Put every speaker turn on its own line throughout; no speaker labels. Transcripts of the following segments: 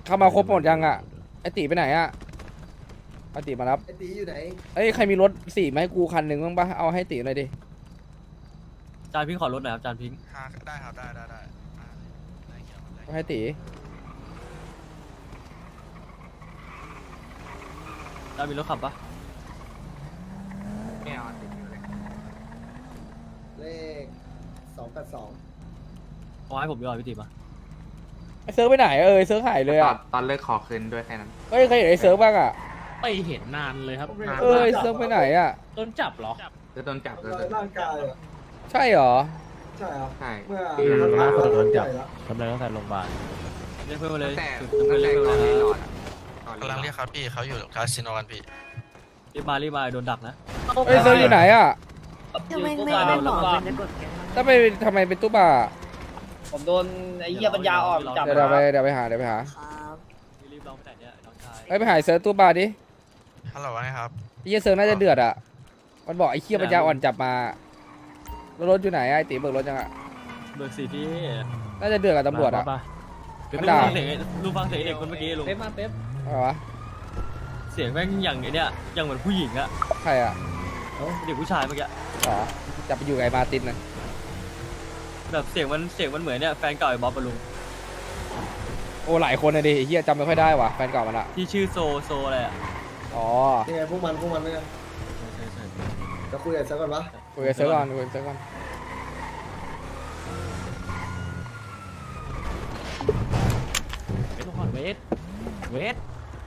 เข้ามาครบหมดยังอ่ะไอตีไปไหนอ่ะไอตีมารับ
ไอตีอยู่ไหน
เอ้ยใครมีรถสี่มาให้กูคันหนึ่งบ้างปะเอาให้ตีหน่อยดิ
จานพิงขอรถหน่อยครับจานพิง
ได้ครับได้ได้เกี่ยวได้
เอาให้ตี
จานมีรถขับปะ
ไม่เอาติดอยู่เลย
เลข282
เอาให้ผมดีกว่าพี่ติ๋มอะ
ไอเซิร์ฟไปไหนไอเซิร์ฟหายเลยอ่ะ
ตอนเลิกขอคืนด้วยแค่นั้น
เฮ้ยใครเห็นไอเซิร์ฟบ้างอ่ะ
ไปเห็นนานเลยครับ
ไอเซิร์ฟไปไหนอ่ะ
ต้นจับเหรอ
คือโดนจับเลย
ร่างกายอ่ะ
ใช่เหรอ
ใช่ครับ
ใช่
เมื่อ
โดนจับ
ใหญ่แล้ว
ทำอะไรตั้งแต่โรงพยาบาล
เรียกเพื่อนมาเลย
แต่
เรียก
ตั้
เพื่อน
งแต่
เรียก
ก่
เพื่
อ
อน น
รี
มา
โหลดอะ
กำลังเรียกครับพี่เขาอยู่คาสิโนกันพี่
รีบมาโดนดักนะ
ไอเซิร์ฟอยู่ไหนอ่ะ
ทำไมไม่ได้บอกมันจะกดแกง
ทำไมเป็นตู้บ่า
ผมโดนไอ้เหี้ยปัญญาอ่อนจับ
เดี๋ยวไปหา
ครับ
รีบลองไปไหนเนี่ยน้องชาย
ไปหาไอ้เซิร์ฟตู้บ่าดิ
ฮัลโหลนะครับ
ไอ้เหี้ยเซิร์ฟน่าจะเดือดอ่ะมันบอกไอ้เหี้ยปัญญาอ่อนจับมาแล้วรถอยู่ไหนอะไอ้ตีเบิกรถยังอ่ะ
เบิกสี่พี่
น่าจะเดือดกับตำรวจอ่ะ
ลุง
มันด่า
ฟังเสียงลุงฟังเสียงเด็กคนเมื่อกี้ลุง
เป๊ปมาเป๊ป
อะไรวะ
เสียงแม่งอย่างไอ้เนี่ยอย่างเหมือนผู้หญิงอะ
ใครอ่ะ
เด็กผู้ชายเมื่อกี้
อ๋อจับไปอยู่กับไอ้มาร์ตินนะ
แบบเสียงมันเหมือนเนี่ยแฟนเก่าไอ้บ๊อบปะลุง
โอ้หลายคนเลยดิไอ้เหี้ยจำไม่ค่อยได้ว่ะแฟนเก่ามันอ่ะ
ที่ชื่อโซอะไรอะ
อ๋อ
นี่ไงพวกมันเนี่ยจะคุยกันสักก่อนปะ
คุยกับเซิร์ฟก่อนคุยกับเซิร์ฟก่อน
เป๊ปก่อนเวท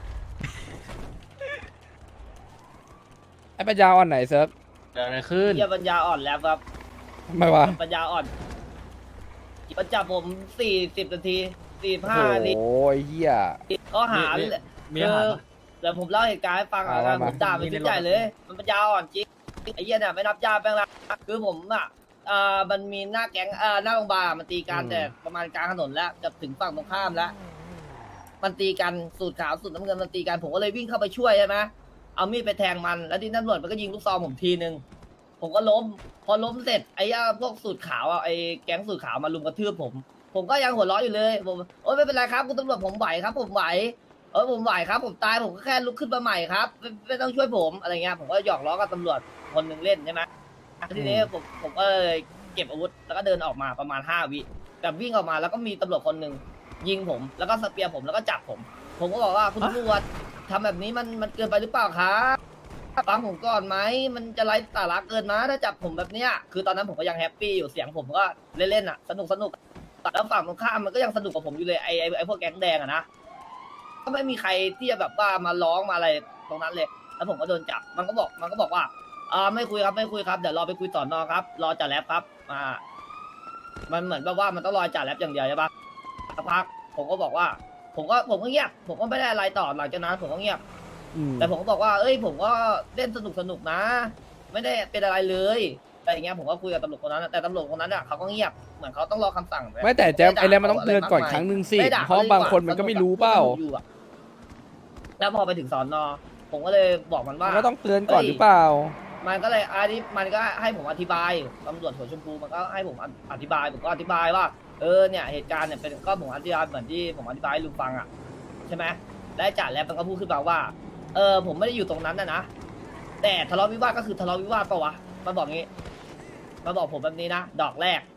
ไอ้ปัญญาอ่อนไหนเซิร์ฟ
เกิดอะไรขึ้น
เหี้ยปัญญาอ่อนแล้วครับ
ทำไมวะ
ปัญญาอ่อนมันจับผม40 นาที
โอ้
45 นาที
โหไอ้เหี้ย
ก็หา
มีอาหารปะ
แต่ผมเล่าเหตุการณ์ให้ฟังอ่ะ
ว่ามา
ผมด่ามันชิ้นใหญ่เลย มันปัญญาอ่อนจริงไอ้เหี้ยเนี่ยไม่นับญาติแป้งละคือผมอ่ะมันมีหน้าแก๊งหน้าโรงพยาบาลมันตีกันแต่ประมาณกลางถนนแล้วจะถึงฝั่งตรงข้ามแล้ว มันตีกันสูตรขาวสูตรน้ำเงินมันตีกันผมก็เลยวิ่งเข้าไปช่วยใช่ไหมเอามีดไปแทงมันแล้วที่ตำรวจมันก็ยิงลูกซองผมทีนึงผมก็ล้ม พอล้มเสร็จไอ้พวกสูตรขาวอ่ะไอ้แก๊งสูตรขาวมาลุมกระทืบผมก็ยังหัวเราะอยู่เลยผมโอ๊ยไม่เป็นไรครับคุณตำรวจผมไหวครับ ผมไหวผมไหวครับ ผมตายผมก็แค่ลุกขึ้นมาใหม่ครับไม่ต้องช่วยผมอะไรเงี้ยผมก็หยอกล้อกับตำรวจคนหนึ่งเล่นใช่ไหมทีนี้ผมก็เลยเก็บอาวุธแล้วก็เดินออกมาประมาณ5 วิแต่วิ่งออกมาแล้วก็มีตำรวจคนหนึ่งยิงผมแล้วก็สเปียร์ผมแล้วก็จับผมก็บอกว่าคุณตำรวจทำแบบนี้มันเกินไปหรือเปล่าครับฟังผมก่อนไหมมันจะไร้สาระเกินนะถ้าจับผมแบบเนี้ยคือตอนนั้นผมก็ยังแฮปปี้อยู่เสียงผมก็เล่นๆอ่ะสนุกแล้วฝั่งตรงข้ามมันก็ยังสนุกกับผมอยู่เลยไอ้พวกแก๊งแดงอะนะก็ไม่มีใครที่จะแบบว่ามาร้องมาอะไรตรงนั้นเลย แล้วผมก็โดนจับมันก็บอกว่าไม่คุยครับเดี๋ยวรอไปคุยสอนอครับรอจ่าแรปครับมันเหมือนแบบว่ามันต้องรอจ่าแรปอย่างเดียวใช่ปะสักพักผมก็บอกว่าผมก็เงียบผมก็ไม่ได้อะไรต่อหลังจากนั้นผมก็เงียบ แต่ผมก็บอกว่าผมก็เล่นสนุกนะ ไม่ได้เป็นอะไรเลยแต่อย่างเงี้ยผมก็คุยกับตำรวจคนนั้นแต่ตำรวจคนนั้นอ่ะเขาก็เงียบเหมือนเขาต้องรอคำสั่ง
ไม่แต่แจ๊บไอ้แล้วมันต้องเตือนก่อนครั้งหนึ่งสิเพราะบางคนมันก็ไม่รู้เปล่า
แล้วพอไปถึงสอนอผมก็เลยบอกมัน
มั
ว่า
นก็ต้องเตือนก่อนหรือเปล่า
มันก็เลยมันก็ให้ผมอธิบายตำรวจหัวชมพูมันก็ให้ผมอธิบายผมก็อธิบายว่าเนี่ยเหตุการณ์เนี่ยเป็นก็ผมอธิบายเหมือนที่ผมอธิบายให้ลุงฟังอ่ะใช่ไหมและจ่าแล้วมันก็พูดขึ้นมาว่าผมไม่ได้อยู่ตรงนั้นนะแต่ทะเลาะวิวาทก็คือทะเลาะวิวาทปะวะมันบอกงี้มันบอกผมแบบนี้นะดอกแรก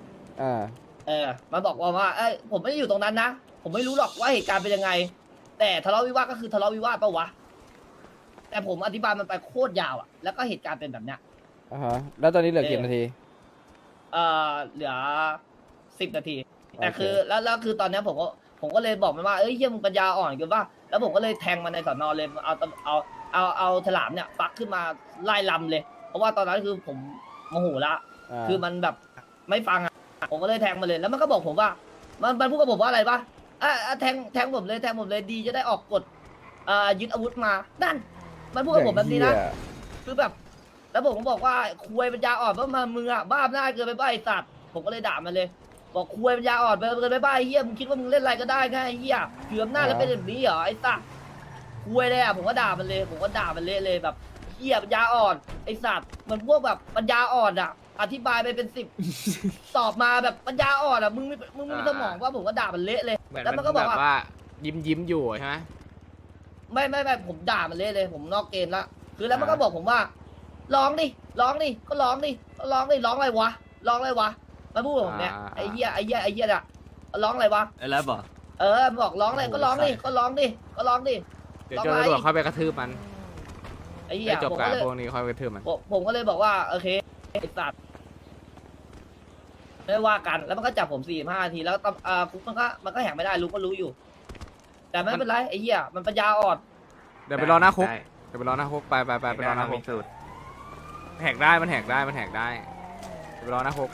มันบอกว่าผมไม่ได้อยู่ตรงนั้นนะผมไม่รู้หรอกว่าเหตุการณ์เป็นยังไง แต่ทะเลาะวิวาทก็คือทะเลาะวิวาทปะวะแต่ผมอธิบายมันไปโคตรยาวอ่ะแล้วก็เหตุการณ์เป็นแบบเนี้ย
แล้วตอนนี้เหลือกี่นาที
เหลือ10 นาทีแต่คือแล้วคือตอนนี้ผมก็เลยบอกมันว่าเฮียมึงปัญญาอ่อนเกินป่ะแล้วผมก็เลยแทงมันในสอนอเลยเอาฉลามเนี่ยปักขึ้นมาไล่ลำเลย เพราะว่าตอนนั้นคือผมโมโหละคือมันแบบไม่ฟังอ่ะผมก็เลยแทงมันเลยแล้วมันก็บอกผมว่ามันพูดกับผมว่าอะไรป่ะแทงผมเลยดีจะได้ออกกฎยึดอาวุธมานั่นมันพูดกับผมแบบนี้นะคือแบบแล้วผมก็บอกว่าคุยปัญญาอ่อนว่ามามึงอ่ะบ้าหน้าเกินไปบ้าไอ้สัตว์ผมก็เลยด่ามันเลยบอกคุยปัญญาอ่อนไปเกินไปบ้าไอ้เหี้ยมึงคิดว่ามึงเล่นอะไรก็ได้ไงไอ้เหี้ยเกือบหน้าแล้วเป็นแบบนี้เหรอไอ้สัตว์คุยเลยอ่ะผมก็ด่ามันเลยเลยแบบเหี้ยปัญญาอ่อนไอ้สัตว์เหมือนพวกแบบปัญญาอ่อนอ่ะอธิบายไปเป็น10 ตอบมาแบบปัญญาอ่อนอ่ะมึงมีสมองว่าผมก็ด่ามันเละเลยแล้วมันก็บอกว่า
ยิ้มอยู่ใช่ไหม
ไม่ผมด่ามันเลยผมนอกเกมละคือแล้วมันก็บอกผมว่าร้องดิก็ร้องดิร้องอะไรวะมันพูดกับผมเนี่ยไอ้เหี้ยน่ะร้องอะไรวะ
ไอ้แรปเหรอ
มันบอกร้องอะไรก็ร้องดิ
เดี๋ยวเจ้าตำรวจเข้าไปกระทืบมัน
ไอ้เหี้ย
ให้จบ
ผม
การ
ก็เลย
พวกนี้ค่อยไปกระทืบมัน
ผมก็เลยบอกว่าโอเคไอ้สัตว์ไม่ว่ากันแล้วมันก็จับผม45 นาทีแล้วคุกมันก็แหกไม่ได้รู้ก็รู้อยู่ แต่ไม่เป็นไรไอ้เหี้ยมันปัญญาอ่อน
เดี๋ยวไปรอหน้าคุก
ได้
เดี๋ยวไปรอหน้าคุกไปรอหน้าคุก
มีสูตร
แหกได้มันแหกได้เดี๋ยวไปรอหน้าคุก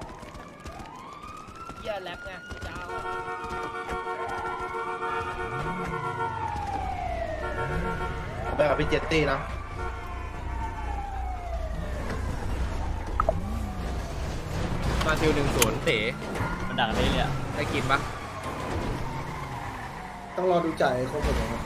เหี้ยแรปไงปัญญาอ่อน
ไปกับพี่เจตตี้นะ
มาซิล10เต๋
มันดังเลยอ่ะ
ได้กินปะ
ต้องรอดูจ่ายครบหมดนะครับ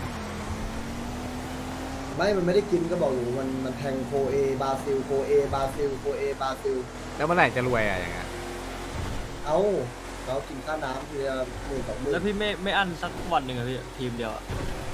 มันไม่ได้กินก็บอกอยู่มันแทงโคเอบาซิลโคเอบาซิลโคเอบาซิล
แล้วเมื่อไหร่จะรวยอย่างเงี้ย
เอาเรากินค่าน้ำทีละ10,000-20,000
แล้วพี่ไม่อั้นสักวันหนึ่งอะพี่ทีมเดียวอะ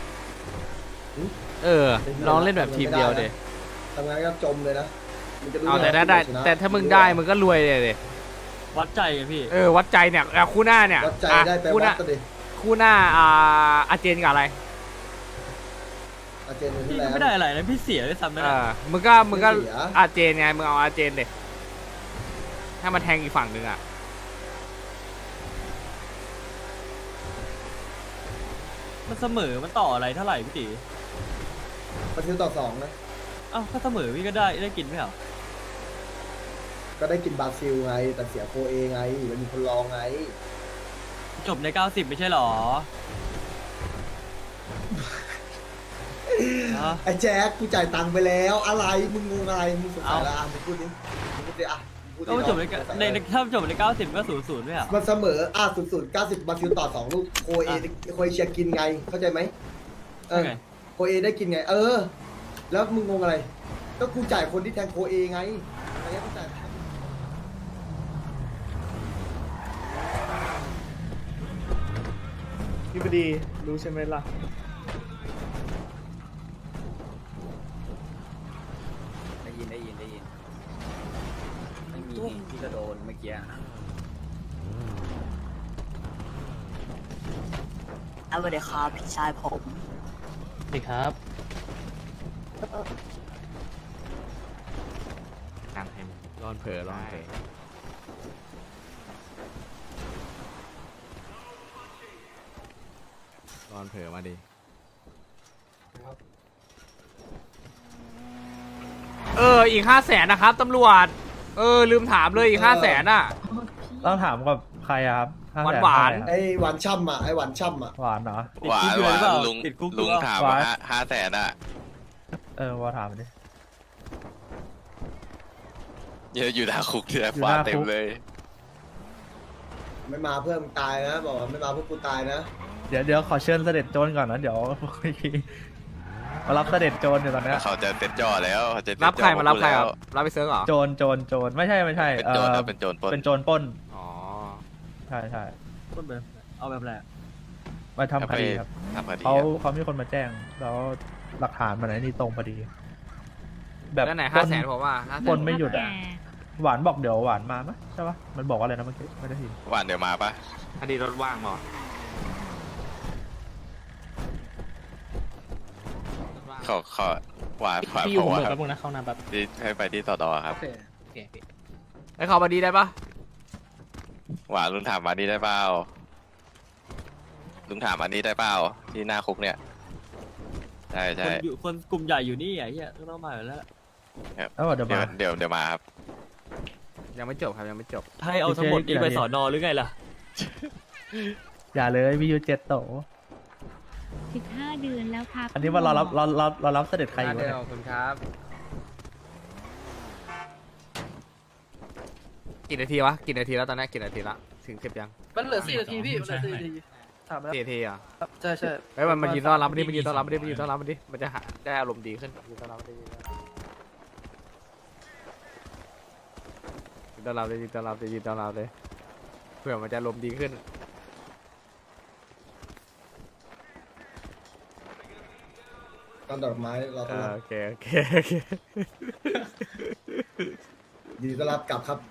ลองเล่นแบบทีมเดียวเด
ทำงานก็จมเลยนะมันจะรู้
เอาแต่
ว่า
ได้
ชนะ
แต่ถ้ามึงได้มึงก็รวยเลย
วัดใจไงพี่
วัดใจเนี่ยคู่หน้าเนี่ย
วัดใจได้ไป
คู่ห
วั
น้า
ดก็ดิ
คู่หน้าอาเจนกับอะไร
อาเจนเป็น
พี่
ที่
ก็
แล้ว
ไม่ได้อะไรนะพี่เสียด้วยซ้ำนะ
มึงก็
ไม่เสีย
อาเจนไงมึงเอาอาเจนเดถ้ามาแทงอีกฝั่งหนึ่งอ่ะ
มันเสมอมันต่ออะไรเท่าไหร่พี่ตี
บาซิลต่อ2นะ
เอ้าถ้าเสมอพี่ก็ได้กินไหมเหรอ
ก็ได้กินบราซิลไงแต่เสียโคเอไงมันมีคนรองไง
จบใน90ไม่ใช่เหรอฮะ
ไอ้แจ็คกูจ่ายตังค์ไปแล้วอะไรมึงงงอะไรมึงสงสัยละมึงพูดดิอ่ะมึงพูดดิ
ก็มันจบในถ้าจบใน90ก็0-0ไม่เหรอ
มันเสมอ0-0 90บราซิลต่อ2 ลูกโคเอเชียกินไงเข้าใจไหมโคเอได้กินไงแล้วมึงงงอะไรก็กูจ่ายคนที่แทงโคเอไงอะไรเงี้ยกูจ่ายพี่พอดีรู้ใช่ไหมล่ะ
ได้ยินไม่มีที่ก็โดนเมื่อกี้
เอาไปเลยครับพี่ชายผม
สวัสดีครับ
การให้มึง
ร้อนเผลอมาดิอีก500,000นะครับตำรวจลืมถามเลยอีก500,000อ่ะ
ต้องถามกับใครอะครับ
หวาน
ไอ้หวานช่ำอ่ะไอ้หวานช่ำอ่ะ
หวานเหรอ
ติดคุกอยู่เลยหรือเปล่าติดคุกอยู่เปล่า
ถาม
หวาน
ว่า500,000อ่ะ
ว่าถามดิ
เยอะอยู่หน้าคุกที่ไหน
อยู่
ฟ้า
หน้าคุก
เต็มเลย
ไม่มาเพื่อนมึงตายนะบอกว่าไม่มาเพื่อกูตายนะ
เดี๋ยวขอเชิญเสด็จโจรก่อนนะเดี๋ยวมารับเสด็จโจรอยู่ตอนเนี้ย
เขาจะเต็มจ่อแล้วเขาจะเต็
รับใคร
จ่อ
มารับใคร
แล้
คว รับรับไปเซิร์ฟเหรอ
โจรไม่ใช่
เป็นโจรครับเป็นโจรปล้น
เป็นโจรปล้น
อ๋อ
ใช่
ต้นแบบเอาแบบแรก
มาทำคดีครับ
ทำคดี
เขามีคนมาแจ้งแล้วหลักฐานมันไหนนี่ตรงพอดี
แล้วไหน
ปล้
500,000ผมว่า
ปล้นไม่หยุดอ่ะหวานบอกเดี๋ยวหวานมาไหมใช่ปะมันบอกว่าอะไรนะเมื่อกี้ไม่ได้ยิน
หวานเดี๋ยวมาปะ
คดีรถว่างเหรอ
เขาหวาน
พี่อยู่
บ
ผ
อ
ม
ก
เบิ
ว่าก
แป๊บนึงนะเข้าน้ำแป๊บ
ที่ให้ไปที่สอดอครับ
ไอ้เขามาดีได้ปะ
หวานลุงถามมานี่ได้เปล่าลุงถามมานี่ได้เปล่าที่หน้าคุกเนี่ยใช่
คนกลุ่มใหญ่อยู่นี่ไอ้เหี้ยต้องมาอยู่แล้ว
แล้วบอกเดี๋ยวมา
เดี๋ยวมาครับ
ยังไม่จบครับยังไม่จบ
ให้เอาทั้งหมดนี้ไปสอนอหรือไงล่ะ
อย่าเลยมีอยู่7 โต
15 เดือนแล้วครับ
อันนี้ว่าเรารับเสด็จใครอยู่
เดี๋
เนี่ย
ยวขอบคุณครับกี่นาทีวะกี่นาทีแล้วตอนนี้กี่นาทีละถึง10ยัง
มันเหลือ4 นาทีพี่มันเหลือ4 นาทีถามแล้ว
4นาทีอ่ะ
ใช่
เฮ้ยมันยืนต้อนรับมันดิมันยืนต้อนรับมันดิมันยืนต้อนรับมันดิมันจะได้อารมณ์ดีขึ้นยืนต้อนรับมันดิยืนต้อนรับเลยยืนต้อนรับเลยยืนต้อนรับเลยเพื่อมันจะอารมณ์ดีขึ้น
ตอนดอกไม้เราต้อนรับ
โอเคโอเค
ยินดีต้อนรับกลับครับ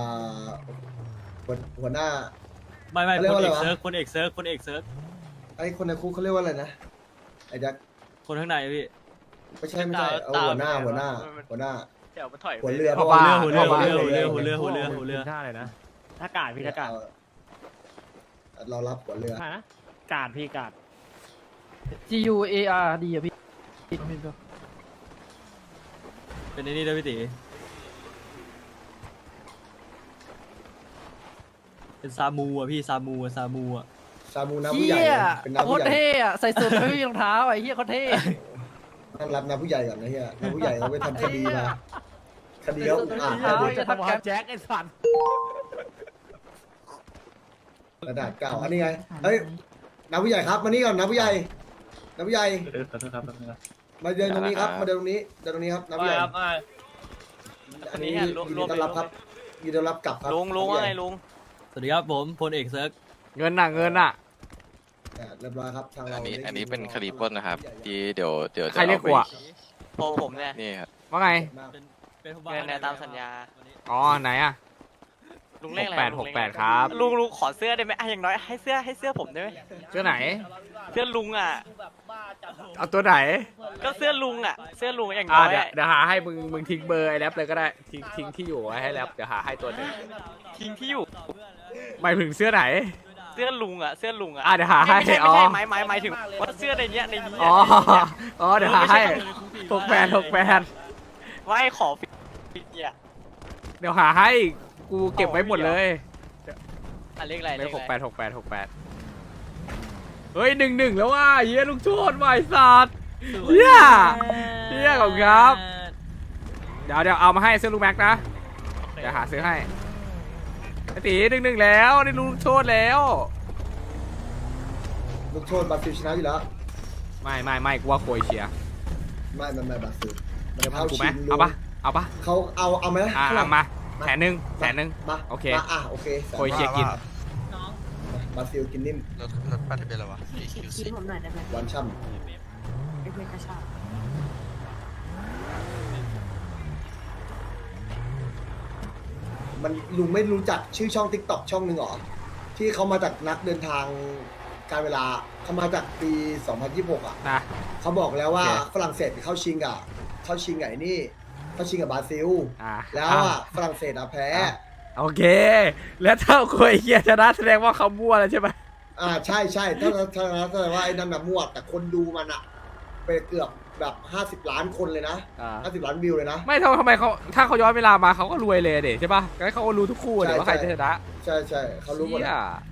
หัวหน้า
ไม่
เขาเรียก
ค
ว่าน อะไร
เอก
วะ
เซิร์ฟคนเอกเซิร์ฟคนเอกเซิร์ฟ
ไอ้คนในคุกเขาเรียกว่าอะไรนะไอ้แจ็ค
คนข้างในพี่
ไม่ใช่เอาหัวหน้าหัวหน้า
เดี๋ยวมันถอย
หัวเรือ
หัวเรือ
หัวเรือหัวเรือหัวเรือหัวเรือหัวเรือ
ท่าเลยนะถ้ากาดพี่ถ้ากาด
เรารับหัวเรือ
นะกาดพี่กาด
G U A R D อะพี่
เป็นไอ้นี่ด้วยพี่ตีเป็นซามูอ่ะพี่ซามูอ่ะ
ซามูน้ำผู้ใหญ่เป็นน้ำผู้ใหญ่
ใส่สูทไม่มีรองเท้าไอ้เหี้ยเขาเท่
ต้องรับน้ำผู้ใหญ่ก่อนนะเฮียน้ำผู้ใหญ่เราไปทำคดีมาคดีเขาอ่าน
เอาจะ
จะ
ทำ
ทำ
แก๊
แก๊
ป
แจ็คไอ้สัน
กระดาษเก่าอันนี้ไงเฮ้ยน้ำผู้ใหญ่ครับมานี่ก่อนน้ำผู้ใหญ่น้ำผู้ใหญ่
ขอโทษครับ
มาเดินตรงนี้ครับมาเดินตรงนี้ครับน้ำผู้ใหญ่
ครับ
อันนี้ยินดีต้อนรับครับยินดีต้อนรับกลับครับ
ลุงว่าไงลุง
สวัสดีครับผมพลเอกเซิร์ฟ
เงินน่ะ
เรียบร้อยครับทางเรา
อันนี้เป็นคดีปล้นนะครับที่เดี๋ยวจะ
ใครเรียกกูอะ
ผมเนี่ยนี่ครับ
ว่าไง
เป็นผู้
เงินในตามสัญญา
อ๋อไหนอะ
ลุงเลขอะไร
68ครับ
ลุงขอเสื้อได้ไหมอย่างน้อยให้เสื้อผมได้ไหม
เสื้อไหน
เสื้อลุงอ่ะ
เอาตัวไหน
ก็เสื้อลุงอ่ะเสื้อลุงอย่างน้อย
เดี๋ยวหาให้มึงทิ้งเบอร์ไอ้แรปเลยก็ได้ทิ้งที่อยู่ไว้ให้แรปเดี๋ยวหาให้ตัวหนึง
ทิ้งที่อยู่
หมายถึงเสื้อไหน
เสื้อลุงอ่ะเดี๋ยวหาให้
ไม่ใช่
หมายถึงว่าเสื้อในเนี้ย
อ๋อเดี๋ยวหาให้68
ว่าให้ขอฟิเนี่ย
เดี๋ยวหาให้กูเก็บไว้หมดเลย
เลขอะไร
เลข68เฮ้ย1-1แล้วว่ะเฮียลูกโทษว่ะไอ้สัตว์เฮียขอบคุณครับ เดี๋ยวเอามาให้เสื้อลูกแม็กนะเดี๋ยวหาซื้อให้ไอ้ตี1-1แล้วได้ลูกโทษแล้ว
ลูกโทษบราซิลชนะอยู่แล้ว
ไม่กูว่าโครเอเชีย
ไม่บราซิลมัน
จะ
จะ
พั
เข้าง
กู
ชิ
ไหม
ง
เอาปะ
เขาเอาไหม
เอามา100,000
มา
โอเค
โอเค
โครเอเชียกิน
บราซิลกินนิ่ม
รถป้ายทะเบียนอะไรวะ
คิดผมหน่อยได้ไหม
หวานช่
ไม่เป็นกระชาก
ำมันลุงไม่รู้จักชื่อช่อง TikTok ช่องหนึ่งหรอที่เขามาจากนักเดินทางการเวลาเขามาจากปี 2026 อ่ะ
นะ
เขาบอกแล้วว่า
โอเค
ฝรั่งเศสเข้าชิงกับไอ้นี่เข้าชิงกับบราซิล แล้ว
อ่ะ
อ่ะฝรั่งเศสอ่ะแพ้
โอเค แล้วถ้าโครเอเชียชนะแสดงว่าเขามั่วแล้วใช่ไหม
ใช่ถ้าแสดงว่าไอ้นั่นน่ะมั่วแต่คนดูมันอ่ะไปเกือบแบบ50 ล้านคนเลยนะ50 ล้านวิวเลยนะ
ไม่ทำไมเขาถ้าเขาย้อนเวลามาเขาก็รวยเลยเด็ใช่ปะงั้นเขาก็รู้ทุกคู่เลยว่าใครจะชนะ
ใช่เขารู้หมด
เชี่
อะ
ย